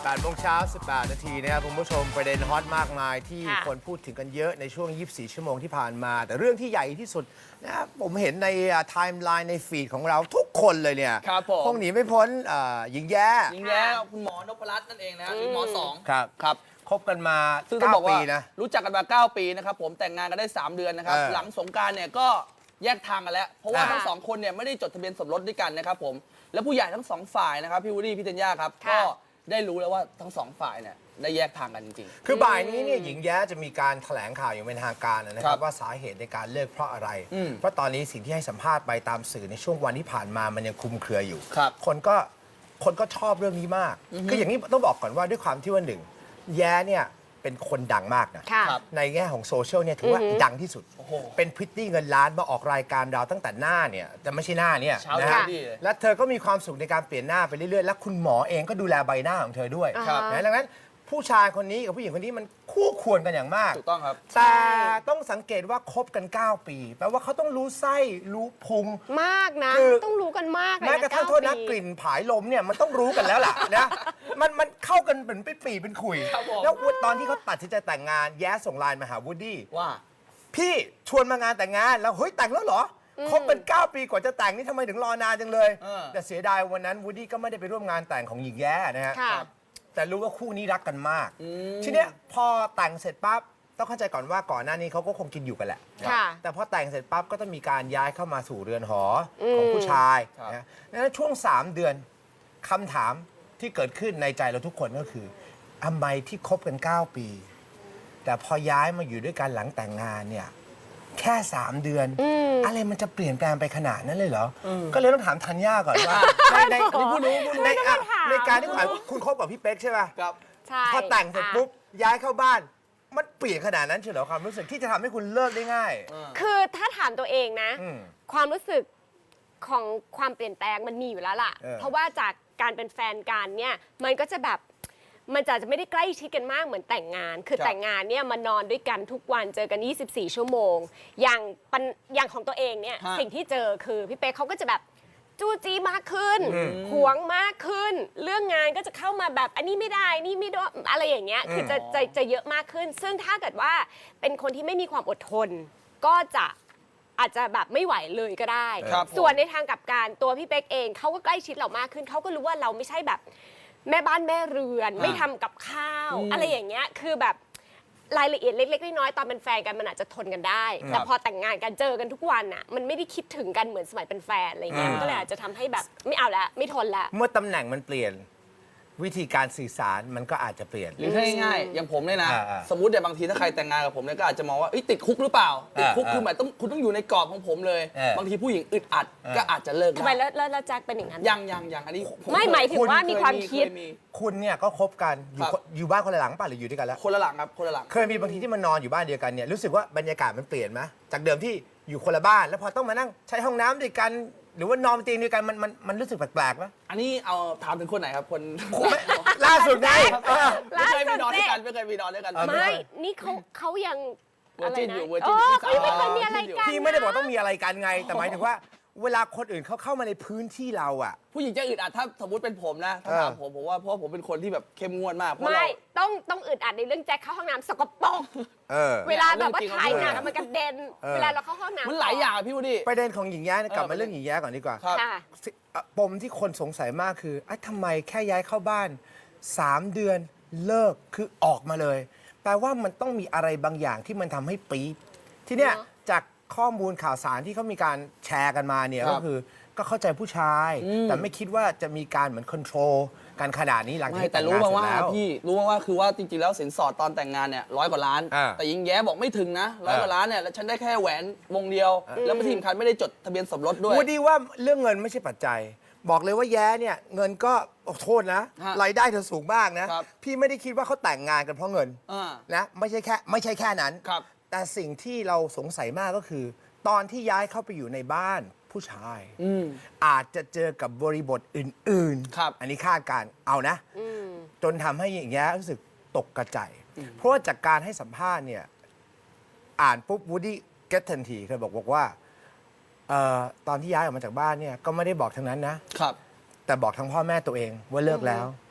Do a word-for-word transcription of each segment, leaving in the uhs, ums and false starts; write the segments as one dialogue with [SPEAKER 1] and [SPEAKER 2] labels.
[SPEAKER 1] แปดโมงเช้าสิบแปดนาทีนะครับคุณผู้ชมประเด็นฮอตมากมายที่คนพูดถึงกันเยอะในช่วงยี่สิบสี่ชั่วโมงที่ผ่านมาแต่เรื่องที่ใหญ่ที่สุดนะครับผมเห็นในไทม์ไลน์ในฟีดของเราทุกคนเลยเนี่ยคงหนีไม่พ้นหญิงแย้
[SPEAKER 2] หญิงแย้คุณหมอนพรัตน์นั่นเองนะหมอสอง
[SPEAKER 1] ครับ
[SPEAKER 2] ครับ
[SPEAKER 1] คบกันมา
[SPEAKER 2] ซึ่งต้องบอกว่ารู้จักกันมาเก้าปีนะครับผมแต่งงานกันได้สามเดือนนะครับหลังสงกรานต์เนี่ยก็แยกทางกันแล้วเพราะว่าทั้งสองคนเนี่ยไม่ได้จดทะเบียนสมรสด้วยกันนะครับผมและผู้ใหญ่ทั้งสองฝ่ายนะครับพี่วูดดี้พี่เทนย่าครับก็ได้รู้แล้วว่าทั้งสองฝ่ายเนี่ยได้แยกทางกันจริง
[SPEAKER 1] ๆคือบ่ายนี้เนี่ยหญิงแย้จะมีการแถลงข่าวอย่างเป็นทางการนะครับว่าสาเหตุในการเลิกเพราะอะไรเพราะตอนนี้สิ่งที่ให้สัมภาษณ์ไปตามสื่อในช่วงวันที่ผ่านมามันยังคลุมเครืออยู่คนก็คนก็ชอบเรื่องนี้มากคืออย่างนี้ต้องบอกก่อนว่าด้วยความที่ว่าหนึ่งแย้เนี่ยเป็นคนดังมากนะในแง่ของโซเชียลเนี่ยถือว่าดังที่สุดเป็นพริตตี้เงินล้านมาออกรายการเราตั้งแต่หน้าเนี่ยแต่ไม่ใช่หน้าเนี่ยนะฮะและเธอก็มีความสุขในการเปลี่ยนหน้าไปเรื่อยๆและคุณหมอเองก็ดูแลใบหน้าของเธอด้วยนะดังนั้นผู้ชายคนนี้กับผู้หญิงคนนี้มันคู่ควรกันอย่างมาก
[SPEAKER 2] ถูกต้องครับ
[SPEAKER 1] แต่ต้องสังเกตว่าคบกันเก้าปีแปลว่าเขาต้องรู้ไส้รู้พุง
[SPEAKER 3] มากนะต้องรู้กันมากเลยนะ
[SPEAKER 1] แม้กระทั่งโทษนะกลิ่นผายลมเนี่ยมันต้องรู้กันแล้วล่ะนะมันมันเข้ากันเหมือนเป็นปีเป็นขุยแล้วตอนที่เขาตัดสินใจแต่งงานแย้ส่งไลน์มาหาวูดดี้
[SPEAKER 2] ว่า
[SPEAKER 1] พี่ชวนมางานแต่งงานแล้วเฮ้ยแต่งแล้วเหรอคบเป็นเก้าปีกว่าจะแต่งนี่ทำไมถึงรอนานจังเลยแต่เสียดายวันนั้นวูดดี้ก็ไม่ได้ไปร่วมงานแต่งของหญิงแย้นะฮะแต่รู้ว่าคู่นี้รักกันมากทีเนี้ยพอแต่งเสร็จปั๊บต้องเข้าใจก่อนว่าก่อนหน้านี้เขาก็คงกินอยู่กันแหละแต่พอแต่งเสร็จปั๊บก็ต้องมีการย้ายเข้ามาสู่เรือนหอของผู้ชายนะดังนั้นช่วงสามเดือนคำถามที่เกิดขึ้นในใจเราทุกคนก็คือทำไมที่คบกันเก้าปีแต่พอย้ายมาอยู่ด้วยกันหลังแต่งงานเนี่ยแค่สามเดือนอะไรมันจะเปลี่ยนแปลงไปขนาดนั้นเลยเหรอก็เลยต้องถามธัญญาก่อนว่าในในผู้รู้ผู้รู้ในในการที่คุณคบกับพี่เป๊กใช่ป่ะ
[SPEAKER 2] ครับ
[SPEAKER 1] พอแต่งเสร็จปุ๊บย้ายเข้าบ้านมันเปลี่ยนขนาดนั้นเฉยเหรอความรู้สึกที่จะทำให้คุณเลิกได้ง่าย
[SPEAKER 3] คือถ้าถามตัวเองนะความรู้สึกของความเปลี่ยนแปลงมันมีอยู่แล้วล่ะเพราะว่าจากการเป็นแฟนกันเนี่ยมันก็จะแบบมันจะจะไม่ได้ใกล้ชิดกันมากเหมือนแต่งงานคือแต่งงานเนี่ยมานอนด้วยกันทุกวันเจอกันยี่สิบสี่ชั่วโมงอย่างปัญอย่างของตัวเองเนี่ยสิ่งที่เจอคือพี่เป๊กเขาก็จะแบบจู้จี้มากขึ้นหวงมากขึ้นเรื่องงานก็จะเข้ามาแบบอันนี้ไม่ได้นี่ไม่ได้อะไรอย่างเงี้ยคือจะจะจะเยอะมากขึ้นซึ่งถ้าเกิดว่าเป็นคนที่ไม่มีความอดทนก็จะอาจจะแบบไม่ไหวเลยก็ได้ส่วนในทางกลับกันตัวพี่เป๊กเองเขาก็ใกล้ชิดเรามากขึ้นเขาก็รู้ว่าเราไม่ใช่แบบแม่บ้านแม่เรือนไม่ทำกับข้าวอะไรอย่างเงี้ยคือแบบรายละเอียดเล็กๆน้อยๆตอนเป็นแฟนกันมันอาจจะทนกันได้แต่พอแต่งงานกันเจอกันทุกวันอ่ะมันไม่ได้คิดถึงกันเหมือนสมัยเป็นแฟนอะไรเงี้ยมันก็เลยอาจจะทำให้แบบไม่เอาละไม่ทนละ
[SPEAKER 1] เมื่อตำแหน่งมันเปลี่ยนวิธีการสื่อสารมันก็อาจจะเปลี่ยน
[SPEAKER 2] หรือง่ายๆอย่างผมเนี่ยนะสมมติเนี่ยบางทีถ้าใครแต่งงานกับผมเนี่ยก็อาจจะมองว่าติดคุกหรือเปล่าติดคุกคือหมายต้องคุณต้องอยู่ในกรอบของผมเลยบางทีผู้หญิงอึดอัดก็อาจจะเลิก
[SPEAKER 3] ทำไมแล้วแล้วแจ็คเป็นอย่างนั้น
[SPEAKER 2] ยังยังยังอันนี้
[SPEAKER 3] ไม่หมายถึงว่ามีความคิด
[SPEAKER 1] คุณเนี่ยก็คบกันอยู่อยู่บ้านคนละหลังป่ะหรืออยู่ด้วยกันแล้ว
[SPEAKER 2] คนละหลังครับคนละหลัง
[SPEAKER 1] เคยมีบางทีที่มันนอนอยู่บ้านเดียวกันเนี่ยรู้สึกว่าบรรยากาศมันเปลี่ยนไหมจากเดิมที่อยู่คนละบ้านแล้วพอต้องมานั่งใช้ห้องน้ำด้วยกันหรือว่านอนเตียงเดียวกันมันมันมันรู้สึกแปลกๆไหม
[SPEAKER 2] อันนี้เอาถามถึงคนไหนครับคน
[SPEAKER 1] ล่าสุดไง
[SPEAKER 2] ไม่เคยมีนอนด้วยกันไม่เคยมีนอนด้วยกัน
[SPEAKER 3] ไม่นี่เขาเขายัง
[SPEAKER 2] อะไรนะ
[SPEAKER 3] เออเขาไม่เคยมีอะไรกัน
[SPEAKER 1] พี่ไม่ได้บอกต้องมีอะไรกันไงแต่หมายถึงว่าเวลาคนอื่นเขาเข้ามาในพื้นที่เราอ่ะ
[SPEAKER 2] ผู้หญิงจะอึดอัดถ้าสมมติเป็นผมนะถ้าถามผมผมว่าเพราะผมเป็นคนที่แบบเข้มงวดมาก
[SPEAKER 3] ไม่ต้องต้องอึดอัดในเรื่องแจ็คเข้าห้องน้ำสกปรกเวลาแบบว่าถ่ายหนังมันกระเด็นเวลาเราเข้าห้องน้ำ
[SPEAKER 2] มันหลายอย่างพี่วูดดี้
[SPEAKER 1] ประเด็นของหญิงแย้กลับมาเรื่องหญิงแย้ก่อนดีกว่าปมที่คนสงสัยมากคือไอ้ทำไมแค่ย้ายเข้าบ้านสามเดือนเลิกคือออกมาเลยแปลว่ามันต้องมีอะไรบางอย่างที่มันทำให้ปี๊ดทีเนี้ยจากข้อมูลข่าวสารที่เขามีการแชร์กันมาเนี่ยก็คือก็เข้าใจผู้ชายแต่ไม่คิดว่าจะมีการเหมือนคอนโทรลการขนาดนี้หลังจาก
[SPEAKER 2] แต่รู้มาว่าพี่รู้มาว่าคือว่าจริงๆแล้วสินสอดตอนแต่งงานเนี่ยร้อยกว่าล้านแต่ยิงแย้บอกไม่ถึงนะร้อยกว่าล้านเนี่ยแล้วฉันได้แค่แหวนวงเดียวแล้วไม่ที่สำคัญไม่ได้จดทะเบียนสมรสด้วย
[SPEAKER 1] วูดดี้ว่าเรื่องเงินไม่ใช่ปัจจัยบอกเลยว่าแย้เนี่ยเงินก็โทษนะรายได้เธอสูงมากนะพี่ไม่ได้คิดว่าเขาแต่งงานกันเพราะเงินนะไม่ใช่แค่ไม่ใช่แค่นั้นแต่สิ่งที่เราสงสัยมากก็คือตอนที่ย้ายเข้าไปอยู่ในบ้านผู้ชายอาจจะเจอกับบริบทอื่นๆอันนี้คาดการเอานะจนทำให้อย่างเงี้ยรู้สึกตกกระจายเพราะว่าจากการให้สัมภาษณ์เนี่ยอ่านปุ๊บวูดดี้เก็ตทันทีเคยบอกบอกว่าตอนที่ย้ายออกมาจากบ้านเนี่ยก็ไม่ได้บอกทั้งนั้นนะครับแต่บอกทั้งพ่อแม่ตัวเองว่าเลิกแล้ว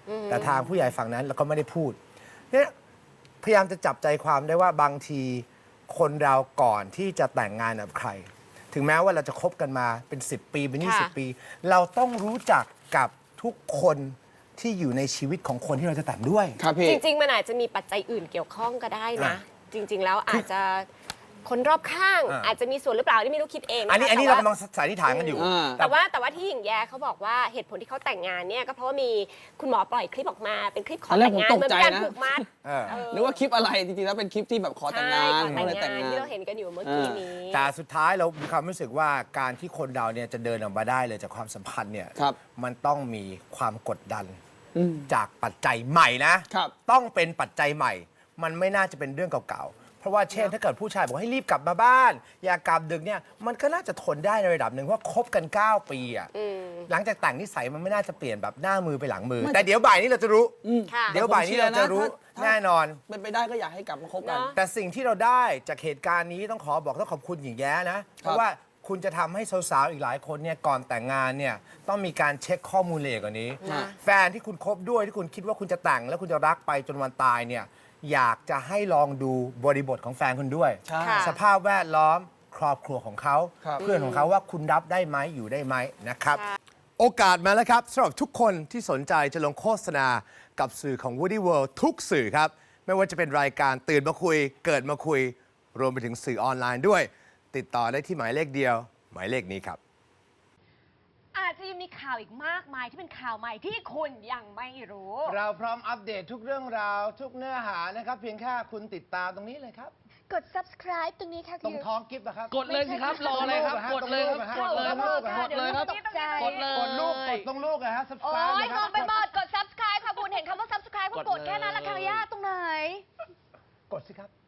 [SPEAKER 1] แต่ทางผู้ใหญ่ฝั่งนั้นเราก็ไม่ได้พูดเนี่ยพยายามจะจับใจความได้ว่าบางทีคนเราก่อนที่จะแต่งงานกับใคร ถึงแม้ว่าเราจะคบกันมาเป็นสิบปีเป็นยี่สิบ
[SPEAKER 3] ค่ะ
[SPEAKER 1] ปี เราต้องรู้จักกับทุกคนที่อยู่ในชีวิตของคนที่เราจะแต่งด้วย
[SPEAKER 2] ครับพี่
[SPEAKER 3] จริง ๆ มันอาจจะมีปัจจัยอื่นเกี่ยวข้องก็ได้นะ
[SPEAKER 1] อ่ะ
[SPEAKER 3] จริง ๆ แล้วอาจจะคนรอบข้าง
[SPEAKER 1] อ่ะ
[SPEAKER 3] อาจจะมีส่วนหรือเปล่าที่ไม่รู้คิดเองะคะ
[SPEAKER 1] อันนี้อันนี้เรา
[SPEAKER 3] แต่
[SPEAKER 1] กำลั
[SPEAKER 3] ว่าง
[SPEAKER 1] สันนิษฐานกันอยู่
[SPEAKER 2] อ่า
[SPEAKER 3] แต่ว่าแต่ว่าที่หญิงแย้เขาบอกว่าเหตุผลที่เขาแต่งงานเนี่ยก็เพราะว่ามีคุณหมอปล่อยคลิปออกมาเป็นคลิปขอ
[SPEAKER 2] ตอนแรก
[SPEAKER 3] แต่งงาน
[SPEAKER 2] ผมตก
[SPEAKER 3] เหมือน
[SPEAKER 2] ใจ
[SPEAKER 3] การ
[SPEAKER 2] นะ
[SPEAKER 3] ผูกมัด
[SPEAKER 1] เออ
[SPEAKER 3] เออ
[SPEAKER 2] นึกว่าคลิปอะไรจริงๆแล้วเป็นคลิปที่แบบขอแต่งงาน
[SPEAKER 3] ใช่ขอ
[SPEAKER 2] เขาเลย
[SPEAKER 3] แต่
[SPEAKER 2] แต่
[SPEAKER 3] ง
[SPEAKER 2] ง
[SPEAKER 3] งาน
[SPEAKER 2] งาน
[SPEAKER 3] ที่เราเห็นกันอยู่เมื่อกี้นี้
[SPEAKER 1] แต่สุดท้ายเรามีความรู้สึกว่าการที่คนเราเนี่ยจะเดินออกมาได้เลยจากความสัมพันธ์เนี่ย
[SPEAKER 2] ครับ
[SPEAKER 1] มันต้องมีความกดดัน
[SPEAKER 2] อืม
[SPEAKER 1] จากปัจจัยใหม่นะ
[SPEAKER 2] ครับ
[SPEAKER 1] ต้องเป็นปัจจัยใหม่ มันไม่น่าจะเป็นเรื่องเก่าๆ เพราะว่าเช่นถ้าเกิดผู้ชายบอกให้รีบกลับมาบ้าน อย่ากลับดึกเนี่ยมันก็น่าจะทนได้ในระดับหนึ่งเพราะคบกัน เก้า ปีอ่ะหลังจากแต่งนิสัยมันไม่น่าจะเปลี่ยนแบบหน้ามือไปหลังมือ แต่เดี๋ยวบ่ายนี้เราจะรู้
[SPEAKER 3] ค่ะ
[SPEAKER 1] เดี๋ยวบ่ายนี้เราจะรู้
[SPEAKER 2] ถ้า
[SPEAKER 1] แน่นอน
[SPEAKER 2] เป็นไปได้ก็อยากให้กลับมาคบกัน
[SPEAKER 3] เนอะ
[SPEAKER 1] แต่สิ่งที่เราได้จากเหตุการณ์นี้ต้องขอบอกต้องขอบคุณหญิงแย้นะ เพราะว่าคุณจะทำให้สาวๆอีกหลายคนเนี่ยก่อนแต่งงานเนี่ยต้องมีการเช็คข้อมูลละเอียดกว่านี้
[SPEAKER 3] นะ
[SPEAKER 1] แฟนที่คุณคบด้วยที่คุณคิดว่าคุณจะแต่งแล้วคุณจะรักไปจนวันตายเนี่ยอยากจะให้ลองดูบริบทของแฟนคุณด้วย
[SPEAKER 2] ใช่
[SPEAKER 3] ค่ะ
[SPEAKER 1] สภาพแวดล้อมครอบครัวของเขา
[SPEAKER 2] ครับ
[SPEAKER 1] เพื่อนของเขาว่าคุณรับได้ไหมอยู่ได้ไหมนะครับ โอกาสมาแล้วครับสำหรับทุกคนที่สนใจจะลงโฆษณากับสื่อของ Woody World ทุกสื่อครับ ไม่ว่าจะเป็นรายการตื่นมาคุย เกิดมาคุย รวมไปถึงสื่อออนไลน์ด้วย ติดต่อได้ที่หมายเลขเดียว หมายเลขนี้ครับ
[SPEAKER 4] อาจจะยังมีข่าวอีกมากมายที่เป็นข่าวใหม่ที่คุณยังไม่รู้
[SPEAKER 1] เราพร้อมอัปเดตทุกเรื่องราวทุกเนื้อหานะครับ เพียงแค่คุณติดตามตรงนี้เลยครับ
[SPEAKER 4] กด subscribe ตรงนี้ค่ะ
[SPEAKER 1] ตรงท้องกิฟต์นะครับ
[SPEAKER 5] กดเลยสิครับ รออะไรครับ กดเลยครับ กดเลยครับ กดเลยครับ
[SPEAKER 4] ตกใจ
[SPEAKER 5] กดเลย
[SPEAKER 1] กดลูกกดตรงลูกนะฮะ
[SPEAKER 4] โอ้
[SPEAKER 1] subscribe
[SPEAKER 4] ย
[SPEAKER 1] นะค
[SPEAKER 4] ง
[SPEAKER 1] รับ
[SPEAKER 4] งไปหมด กด subscribe ค่ะคุณเห็นคำว่า subscribe ก็
[SPEAKER 5] ก
[SPEAKER 4] ก
[SPEAKER 5] ด
[SPEAKER 4] ด
[SPEAKER 5] เลย
[SPEAKER 4] แค่นั้นละค่ะยากตรงไหน
[SPEAKER 1] กดสิครับ